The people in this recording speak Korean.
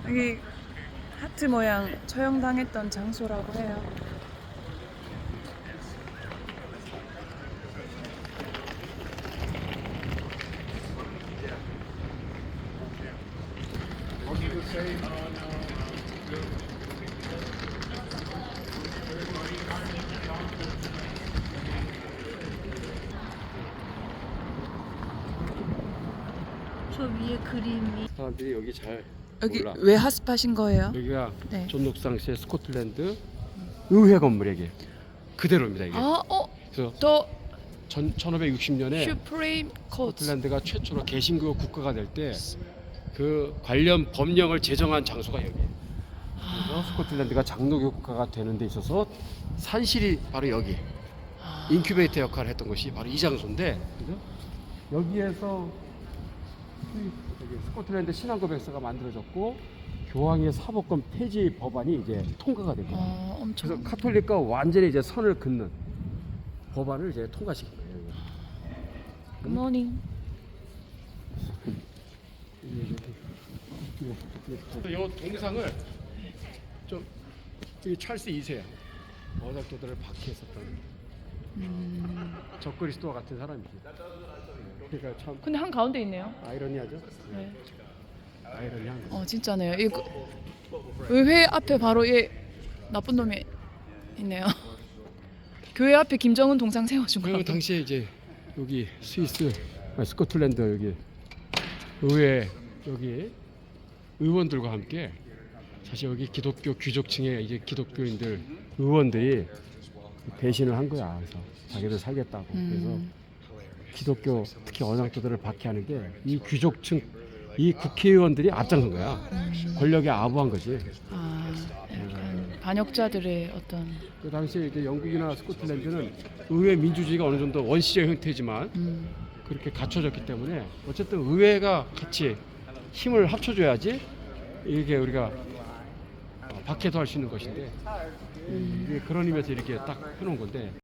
여기 하트 모양 처형당했던 장소라고 해요. 저 위에 그림이 사람들이 여기 잘 여기 몰라. 왜 핫스팟인 거예요? 여기가 네. 존 녹상시의 스코틀랜드 의회 건물 이게 그대로입니다 이게. 그래서 또 1560년에 슈프림 코트. 스코틀랜드가 최초로 개신교 국가가 될 때 그 관련 법령을 제정한 장소가 여기예요. 그래서 스코틀랜드가 장로교 국가가 되는 데 있어서 산실이 바로 여기 인큐베이터 역할을 했던 것이 바로 이 장소인데, 그죠? 여기에서 여기 스코틀랜드 신앙고백서가 만들어졌고 교황의 사법권 폐지 법안이 이제 통과가 됐거든요. 엄청. 그래서 카톨릭과 완전히 이제 선을 긋는 법안을 이제 통과시킨 거예요. 굿모닝. 이 동상을 좀 이 찰스 2세 어작도들을 박해했었던 적그리스도와 같은 사람이지. 그러니까 참 근데 한 가운데 있네요. 아이러니하죠. 네. 아이러니한 거. 진짜네요. 이 의회 앞에 바로 이 나쁜 놈이 있네요. 교회 앞에 김정은 동상 세워준 거. 그 당시에 이제 여기 스위스, 스코틀랜드 여기 의회 여기 의원들과 함께 사실 여기 기독교 귀족층의 이제 기독교인들 의원들이 배신을 한 거야. 그래서 자기들 살겠다고. 그래서 기독교 특히 언양도들을 박해하는데 이 귀족층 이 국회의원들이 앞장선 거야. 권력에 아부한 거지. 약간 반역자들의 어떤. 그 당시에 이제 영국이나 스코틀랜드는 의회 민주주의가 어느 정도 원시적 형태지만 그렇게 갖춰졌기 때문에 어쨌든 의회가 같이 힘을 합쳐줘야지 이게 우리가 박해도 할 수 있는 것인데 이게 그런 의미에서 이렇게 딱 해놓은 건데.